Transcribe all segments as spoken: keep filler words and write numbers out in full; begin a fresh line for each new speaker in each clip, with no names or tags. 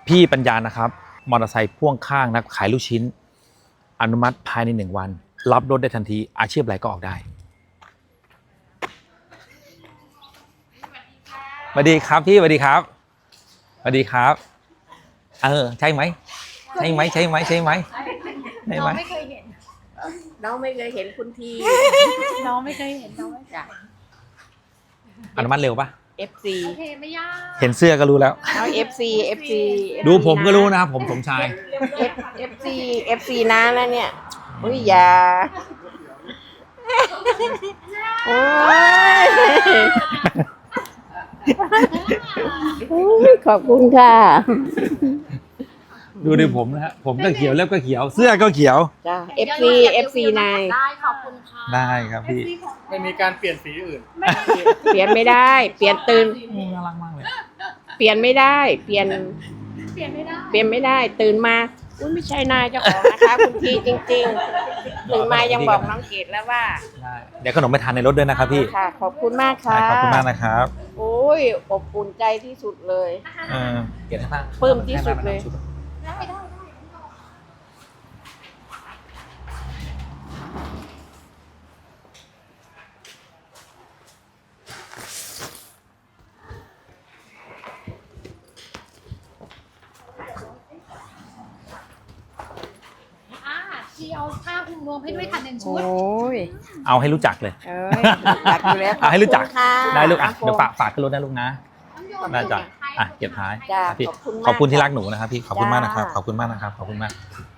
พี่ปัญญานะครับมอเตอร์ไซค์พ่วงข้างนะขายลูกชิ้นอนุมัติภายในหนึ่งวันรับรถได้ทันทีอาชีพอะไรก็ออกได้สวัสดีครับพี่สวัสดีครับสวัสดีครับเออใช่ไหมใช่ไหมใช่ไหมใช่ไหมใช่ไหม
น้องไม่เคยเห็น
น้องไม่เคยเห็นคุณที
น้องไม่เคยเห็นน้องไม่เคย
จ้ะ
อนุมัติเร็วปะ
เอฟ ซี
โอเคไม่ยาก
เห็นเสื้อก็รู้แล้ว
เอา เอฟ ซี เอฟ ซี
ดูผมก็รู้นะครับผมสมชาย
เอฟ ซี เอฟ ซี นะแล้วเนี่ยอุ้ยอย่าโอ้ยอุ๊ยขอบคุณค่ะ
ดูในผมนะฮะผมก็เขียวเล็บก็เขียวเสื้อก็เขียว
จ้ะ เอฟ ซี เอฟ ซี นาย
ได้ขอบคุณค่ะ
ได้ครับพี่
ไม่มีการเปลี่ยนสีอื่น
เปลี่ยนไม่ได้ เปลี่ยนตื่น
น่ารักมากเลย
เปลี่ยนไม่ได้ เปลี่ยน
เปลี่ยนไม่ได้
เปลี่ยนไม่ได้ ตื่นมาอุ้ยไม่ใช่นายเจ้าของนะคะคุณทีจริงๆตื่นมายังบอกน้องเกดแล้วว่า
ได้เดี๋ยวขนมไปทานในรถด้วยนะครับพี่
ค่ะ ขอบคุณมากค่ะ
ได้ขอบคุณมากนะครับ
โอ้ยอบอุ่นใจที่สุดเลย
เออเกียรติมาก
ปลื้มที่สุดเลย
ได้ได้ได้ อ่าชีเอาผ้าคลุมรวมให้ด้วยค่ะหนึ่งชุ
โอ้
ด
ย
เอาให้รู้จักเลย
เอ้ยจักอยู่แล้ว
เอาให้รู้จัก
ขอบคุณค่ะ
ได้ลูกอ่ะเดี๋ยวฝากฝากขึ้นรถนะลูกนะได้จ้ะอ่ะเก็บท้าย
จ้ะ
ครับพี่
ขอบคุณมาก
ขอบคุณที่รักหนูนะครับพี่ขอบคุณมากนะครับ
จ้า
ขอบคุณมากนะครับขอบคุณมาก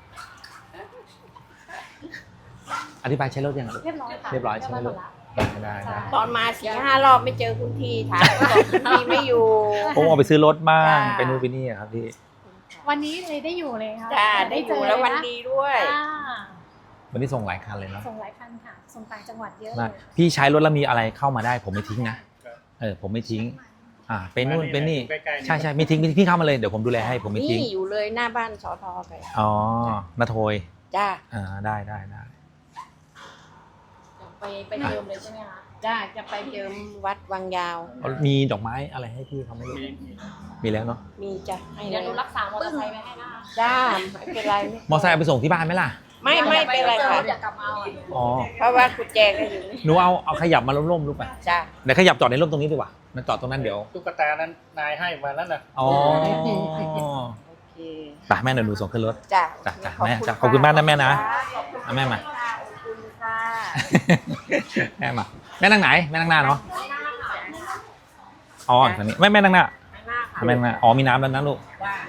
อธิบายใช้รถยังไงลูก
เรียบร้อยค่ะ
เรียบร้อยใช่ไหมลูกได้ได้ได้
ตอนมาสี่ห้ารอบไม่เจอคุณทีถามก็บอกคุณทีไม่อยู่
ผมเอาไปซื้อรถบ้าง
จ้า
ไปนู่นไปนี่อะครับพี่
วันนี้เลยได้อยู่เลยค่ะ
จ้าได้อยู่แล้ววันดีด้วย
อ่า
วันนี้ส่งหลายคันเลยเนาะ
ส่งหลายคันค่ะ ส่งต่างจังหวัดเยอะ
ได้
เลย
พี่ใช้รถแล้วมีอะไรเข้ามาได้ ผมไม่ทิ้งนะเออผมไม่ทิ้ง อ่าไปนู่นไปนี่
ใกล้ๆ
ใช่ใช่ไม่ทิ้งพี่เข้ามาเลยเดี๋ยวผมดูแลให้ผมไม่ทิ้ง
นี่อยู่เลยหน้าบ้านสอทอไป
อ๋อนาโทย
จ้า
อ่าได้ได้ได้
ไปไปเติมเลยใช่ไหมคะ
จ้าจะไปเจิมวัดวังยาว
มีดอกไม้อะไรให้พี่เขาไหม่รู้มีแล้วเนาะ
มีจ้ะให้เล
เดี๋ยวย ดูรักษามอเตอร์ไซค์ไว้ให้นะคะ
จ้าไม่เป็นไร
มอไซค์เอาไปส่งที่บ้านไหมล่ะ
ไม่ไม่เป็นไรค่ะ
เดี๋ยวกลับมาเอาอ่ะ
อ๋อ
เพราะว่ากุญแจก็อยู่นี่
หนูเอาเอาขยับมาร่มๆลูกไป
จ้า
เดี๋ยวขยับจอดในร่มตรงนี้ดีกว่ามันจอดตรงนั้นเดี๋ยว
ตุ๊กตานั้นนายให้มานั่นน่ะ
อ๋อ
โอเค
ไปแม่เดี๋ยวหนูส่งขึ้นรถ
จ้า
จ้ะจ้ะแม่จ้ะขอบคุณมากนะแม่นะ
ขอบคุณ
เอาแม่มา
ขอบคุณค่ะ
แม่มาแม่นั่งไหนแม่นั่งหน้าเนาะอ๋อตรงนี้แม่แม่นั่งหน้า
ข้างหน้าค่ะ
แม่นั่งหน้าอ๋อมีน้ำแล้วนะลูก
จ้า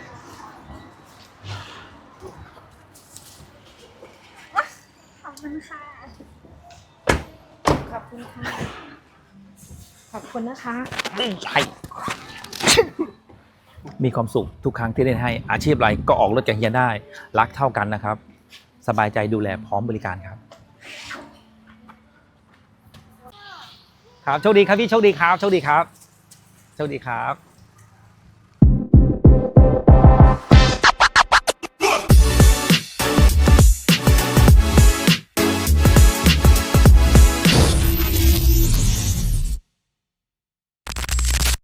ขอบคุณค่ะ ขอบคุณค่ะ ขอบคุณนะคะ
ใช่มีความสุขทุกครั้งที่ได้ให้อาชีพอะไรก็ออกรถจากเฮียได้รักเท่ากันนะครับ สบายใจดูแลพร้อมบริการครับ ครับโชคดีครับพี่โชคดีครับโชคดีครับโชคดีครับ